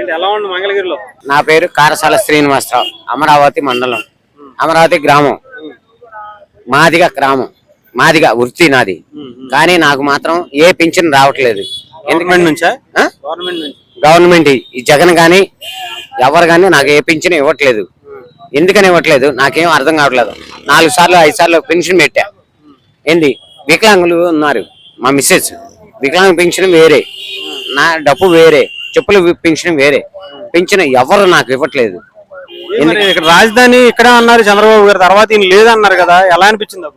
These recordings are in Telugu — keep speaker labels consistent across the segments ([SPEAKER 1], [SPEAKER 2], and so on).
[SPEAKER 1] ఎలా ఉంది మంగళగిరిలో?
[SPEAKER 2] నా పేరు కారసాల శ్రీనివాసరావు, అమరావతి మండలం, అమరావతి గ్రామం, మాదిగా గ్రామం, మాదిగా వృత్తి నాది. కానీ నాకు మాత్రం ఏ పింఛన్ రావట్లేదు. గవర్నమెంట్ ఈ జగన్ గాని ఎవరు గాని నాకు ఏ పింఛన్ ఇవ్వట్లేదు. ఎందుకని ఇవ్వట్లేదు నాకేం అర్థం కావట్లేదు. 4 సార్లు 5 సార్లు పెన్షన్ పెట్టా. ఏంది వికలాంగులు ఉన్నారు, మా మిస్సెస్ వికలాంగ పెన్షన్ వేరే, నా డబ్బు వేరే, చెప్పుల పెన్షన్ వేరే, పెన్షన్ ఎవరు నాకు ఇవ్వట్లేదు.
[SPEAKER 1] ఇక్కడ రాజధాని ఇక్కడ అన్నారు చంద్రబాబు గారు, తర్వాత ఈయన లేదన్నారు కదా, ఎలా అనిపించింది?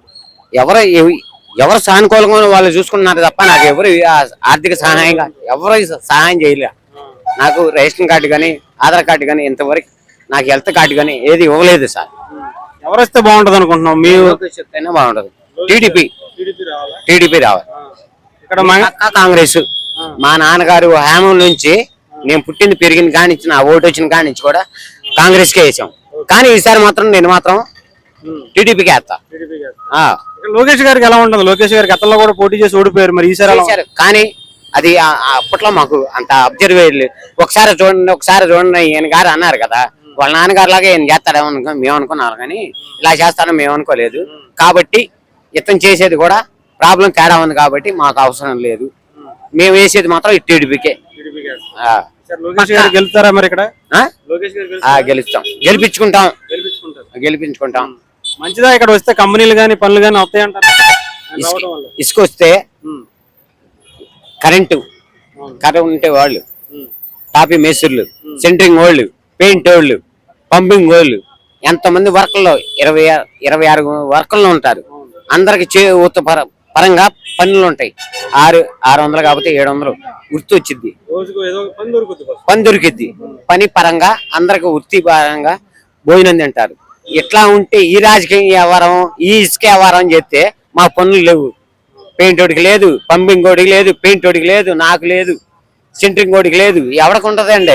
[SPEAKER 2] ఎవరు సానుకూలంగా వాళ్ళు చూసుకున్నారు తప్ప నాకు ఎవరు ఆర్థిక సహాయంగా ఎవరు సహాయం చేయలే. నాకు రేషన్ కార్డు కానీ ఆధార్ కార్డు కానీ ఇంతవరకు నాకు హెల్త్ కార్డు కానీ ఏది ఇవ్వలేదు సార్.
[SPEAKER 1] ఎవరు వస్తే బాగుంటది అనుకుంటున్నాం? మీరు
[SPEAKER 2] చెప్తేనే బాగుంటది. టీడీపీ రావాలి. ఇక్కడ కాంగ్రెస్ మా నాన్నగారు హేమం నుంచి నేను పుట్టింది పెరిగింది కానించి నా ఓటు వచ్చిన కానించి కూడా కాంగ్రెస్ కే వేసాం. కానీ ఈసారి మాత్రం నేను మాత్రం టీడీపీకి వేస్తా.
[SPEAKER 1] లోకేష్ గారికి ఎలా ఉంటుంది? లోకేష్ గారికి గతంలో కూడా పోటీ చేసి ఓడిపోయారు, మరి ఈసారి
[SPEAKER 2] కానీ అది అప్పట్లో మాకు అంత అబ్జర్వ్ లేదు. ఒకసారి చూడండి ఈయన గారు అన్నారు కదా, వాళ్ళ నాన్నగారు లాగా ఈయన చేస్తాడేమో మేము అనుకున్నారు, కానీ ఇలా చేస్తాడో మేము అనుకోలేదు. కాబట్టి ఇతను చేసేది కూడా ప్రాబ్లం తేడా ఉంది కాబట్టి మాకు అవసరం లేదు. మేము వేసేది మాత్రం ఈ టీడీపీకే.
[SPEAKER 1] గెలుస్తారా మరి ఇక్కడ?
[SPEAKER 2] గెలుస్తాం, గెలిపించుకుంటాం.
[SPEAKER 1] మంచిదా ఇక్కడ వస్తే కంపెనీలు గానీ పనులు గానీ వస్తాయంటారు?
[SPEAKER 2] ఇసుకొస్తే కరెంటు ఉంటే వాళ్ళు, టాపీ మేస్త్రులు, సెంటరింగ్ వాళ్ళు, పెయింట్ వాళ్ళు, పంపింగ్ వాళ్ళు, ఎంతమంది వర్కర్లో 26 వర్కర్లు ఉంటారు. అందరికి పరంగా పనులు ఉంటాయి. 600 కాకపోతే 700 వృత్తి వచ్చింది, పని దొరికిద్ది. పని పరంగా అందరికి వృత్తి పరంగా భోజనం తింటారు. ఇట్లా ఉంటే ఈ రాజకీయ వ్యవహారం, ఈ ఇసుక వ్యవహారం చేస్తే మా పనులు లేవు. పెయింట్ ఓడికి లేదు, పంపింగ్ ఓడికి లేదు, పెయింట్ ఓడికి లేదు, నాకు లేదు, సెంటరింగ్ ఓడికి లేదు. ఎవరికి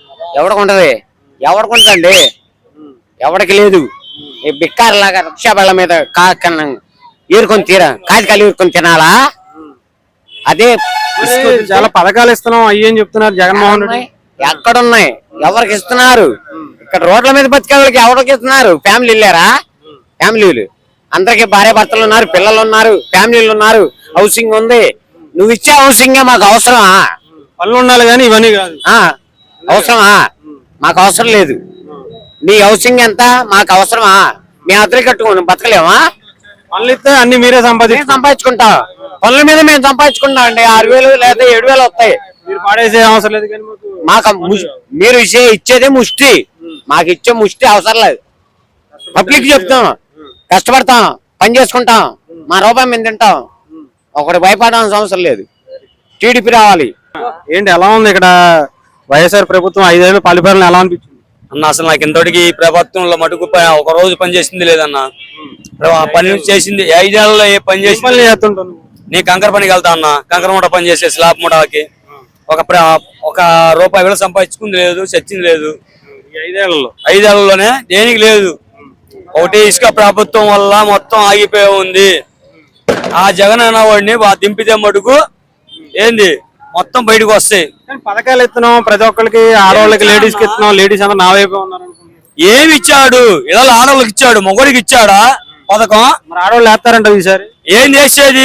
[SPEAKER 2] ఎవరికి లేదు. బిక్కారులాగా రిక్షా బళ్ళ మీద ఏరుకొని కాగితాలు ఏరుకొని తినాలా? అదే
[SPEAKER 1] చాలా పథకాలు ఇస్తున్నాం అయ్యని చెప్తున్నారు జగన్మోహన్ రెడ్డి.
[SPEAKER 2] ఎక్కడున్నాయి? ఎవరికి ఇస్తున్నారు? ఇక్కడ రోడ్ల మీద బతికే వాళ్ళకి ఎవరికి ఇస్తున్నారు? ఫ్యామిలీలు అందరికి భార్య భర్తలు ఉన్నారు, పిల్లలు ఉన్నారు, ఫ్యామిలీలు ఉన్నారు, హౌసింగ్ ఉంది. నువ్వు ఇచ్చే హౌసింగ్ మాకు అవసరమా?
[SPEAKER 1] పనులు ఉండాలి కానీ ఇవన్నీ కాదు.
[SPEAKER 2] అవసరమా? మాకు అవసరం లేదు. నీ హౌసింగ్ ఎంత? మాకు అవసరమా? మేము అద్దెలు కట్టుకుని బతకలేమా?
[SPEAKER 1] పనులు ఇస్తే అన్ని మీరే
[SPEAKER 2] సంపాదించుకుంటాం. పనుల మీద మేము సంపాదించుకుంటాం అండి. 6,000 లేదా 7,000 వస్తాయి.
[SPEAKER 1] మీరు పాడేసే అవసరం లేదు. కానీ
[SPEAKER 2] మాకు మీరు ఇచ్చేదే ముష్టి, మాకు ఇచ్చే ముష్టి అవసరం లేదు. పబ్లిక్ చెప్తాం, కష్టపడతాం, పని చేసుకుంటాం, మా రూపాయి మేము తింటాం. ఒకటి భయపడాల్సిన అవసరం లేదు. టీడీపీ రావాలి.
[SPEAKER 1] ఏంటి ఎలా ఉంది ఇక్కడ వైఎస్ఆర్ ప్రభుత్వం 5 ఏళ్ళు పరిపాలన ఎలా అనిపించింది
[SPEAKER 3] అన్న? అసలు నాకు ఇంతటికి ప్రభుత్వంలో మటుకు ఒక రోజు పని చేసింది లేదన్న. పని చేసింది 5 ఏళ్లలో ఏ పని చేసింది? నీ కంకర పనికి వెళ్తా అన్న, కంకర మూట పని చేసే స్లాబ్ మూటకి ఒక రూపాయి వేలు సంపాదించుకుంది లేదు, చచ్చింది లేదు. 5 ఏళ్లలోనే దేనికి లేదు. ఒకటి ఇసుక ప్రభుత్వం వల్ల మొత్తం ఆగిపోయి ఉంది. ఆ జగన్ అన్న వాడిని దింపితే మటుకు ఏంది మొత్తం బయటకు వస్తాయి.
[SPEAKER 1] పథకాలు ఇస్తున్నాం ప్రతి ఒక్కరికి, ఆడవాళ్ళకి లేడీస్ కి ఇస్తున్నాం. లేడీస్ అందరూ నా వైపు ఉన్నారు.
[SPEAKER 3] ఏమి ఇచ్చాడు? ఇలా ఆడవాళ్ళకి ఇచ్చాడు, మొగడికి ఇచ్చాడా పథకం?
[SPEAKER 1] మరి ఆడవాళ్ళు వేస్తారంట ఈసారి.
[SPEAKER 3] ఏం చేసేది?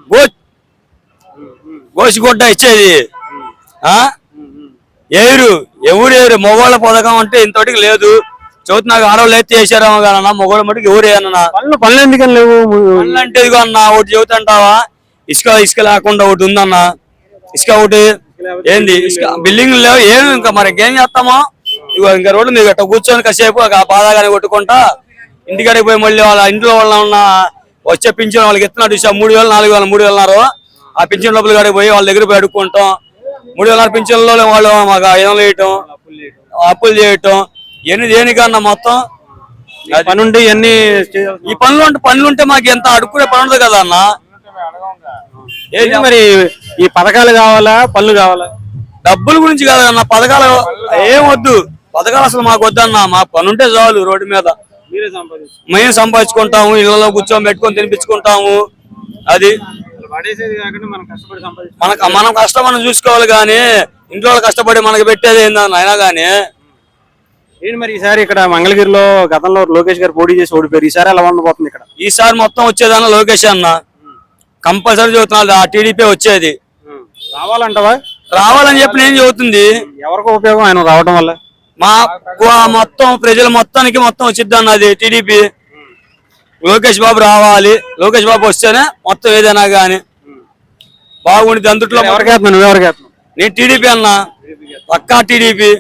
[SPEAKER 3] గోసిగుడ్డ ఇచ్చేది ఎవరు మొగోళ్ళ పథకం అంటే ఇంతటికి లేదు. చదువుతు నాకు ఆడవాళ్ళు అయితే చేశారేమో కాదన్నా, మొగోళ్ళ మటుకు ఎవరేనా?
[SPEAKER 1] పనులు ఎందుకని లేవు?
[SPEAKER 3] పనులు అంటే ఇదిగో అన్న, ఒకటి చెబుతుంటావా, ఇసుక లేకుండా ఒకటి ఉందన్న. ఇసుక ఒకటి ఏంది, ఇసుక బిల్డింగ్లు లేవు, ఏమి ఇంకా మరి ఏం చేస్తామో. ఇగో ఇంకా రోడ్డు మీద గట్ట కూర్చొని కాసేపు బాధాగానే కొట్టుకుంటా ఇంటికాడికి పోయి మళ్ళీ వాళ్ళ ఇంట్లో వాళ్ళ ఉన్న వచ్చే పింఛన్ వాళ్ళకి ఎత్తున్నాడు 3,000 4,000 3,000 అన్నారు. ఆ పింఛన్ డబ్బులు కాడికి పోయి వాళ్ళ దగ్గర పోయి అడుక్కుంటాం. 3,000 పింఛన్లో వాళ్ళు మాకు 500 వేయటం, అప్పులు చేయటం, ఇవన్నీ దేనికన్నా మొత్తం
[SPEAKER 1] పని ఉంటే ఇవన్నీ
[SPEAKER 3] ఈ పనులు ఉంటే మాకు ఎంత అడుక్కునే పని ఉండదు కదా అన్న.
[SPEAKER 1] మరి ఈ పథకాలు కావాలా పనులు కావాలా?
[SPEAKER 3] డబ్బుల గురించి కాదన్న, పథకాలు ఏం వద్దు. పథకాలు అసలు మాకు వద్దన్న, మాకు పని ఉంటే చాలు. రోడ్డు మీద మేము సంపాదించుకుంటాము, ఇళ్లలో కూర్చొని పెట్టుకొని తినిపించుకుంటాము. అది మనం కష్టం మనం చూసుకోవాలి. కానీ ఇంట్లో వాళ్ళు కష్టపడి మనకి పెట్టేది ఏందన్న అయినా కానీ
[SPEAKER 1] ఏంటి మరి ఈసారి ఇక్కడ మంగళగిరిలో గతంలో లోకేష్ గారు పోటీ చేసి ఓడిపోయారు. ఈసారి ఎలా ఉండబోతుంది ఇక్కడ?
[SPEAKER 3] ఈసారి మొత్తం వచ్చేదన్న లోకేష్ అన్న కంపల్సరీ చెబుతున్నాడు. ఆ టీడీపీ వచ్చేది
[SPEAKER 1] రావాలంటవా?
[SPEAKER 3] రావాలని చెప్పి నేను చెబుతుంది.
[SPEAKER 1] ఎవరికి ఉపయోగం ఆయన రావడం వల్ల?
[SPEAKER 3] మా మొత్తం ప్రజల మొత్తానికి మొత్తం వచ్చిద్ది అన్నది టీడీపీ. లోకేష్ బాబు రావాలి. లోకేష్ బాబు వస్తేనే మొత్తం ఏదైనా గానీ బాగుంటుంది. అందుట్లో
[SPEAKER 1] ఎవరికి వేస్తున్నావు? నువ్వెవరికి వేస్తున్నావు?
[SPEAKER 3] నేను టీడీపీ అన్న, పక్కా టీడీపీ.